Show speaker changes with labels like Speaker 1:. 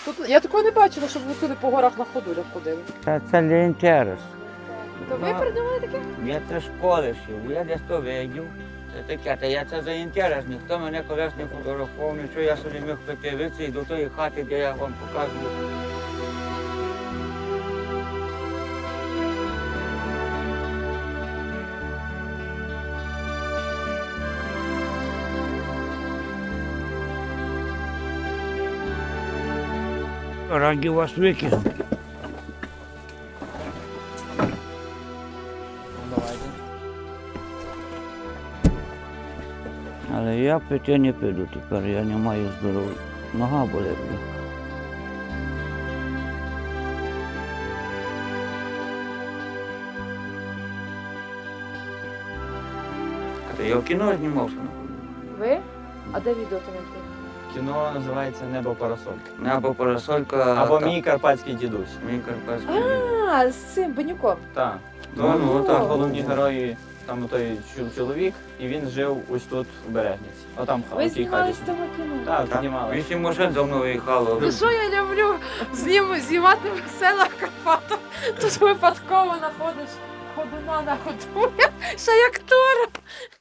Speaker 1: Тут я такого не бачила, щоб ви туди по горах на ходулях ходили.
Speaker 2: Це для інтересу.
Speaker 1: То ви придумали таке?
Speaker 2: Я це школи шив, я десь то видів. Це таке, та я це за інтерес, ніхто мене колись не фотографував, нічого, я собі міг придивитися і до тої хати, де я вам показую. Раді вас викинути. Але я пити не піду тепер, я не маю здоров'я. Нога болить. Я в кіно знімався.
Speaker 1: Ви? А де відео то знайти?
Speaker 3: Кіно називається Небо парасольки.
Speaker 2: Небо парасолька.
Speaker 3: Або Мій карпатський дідусь.
Speaker 2: Мій карпатський.
Speaker 1: А, з цим Банюком.
Speaker 3: Так.
Speaker 1: Ну,
Speaker 3: Там
Speaker 1: ну.
Speaker 3: головні герої, там той чоловік, і він жив ось тут в Берегниці. Отам
Speaker 1: Ви
Speaker 3: в тій хаті.
Speaker 1: знімались в тому кіно?
Speaker 3: Так, знімали.
Speaker 2: 8 машин за мною їхало.
Speaker 1: Ну що я люблю знімати в селах Карпатах. Тут випадково знаходиш ходуна на ходулях, ще як актора.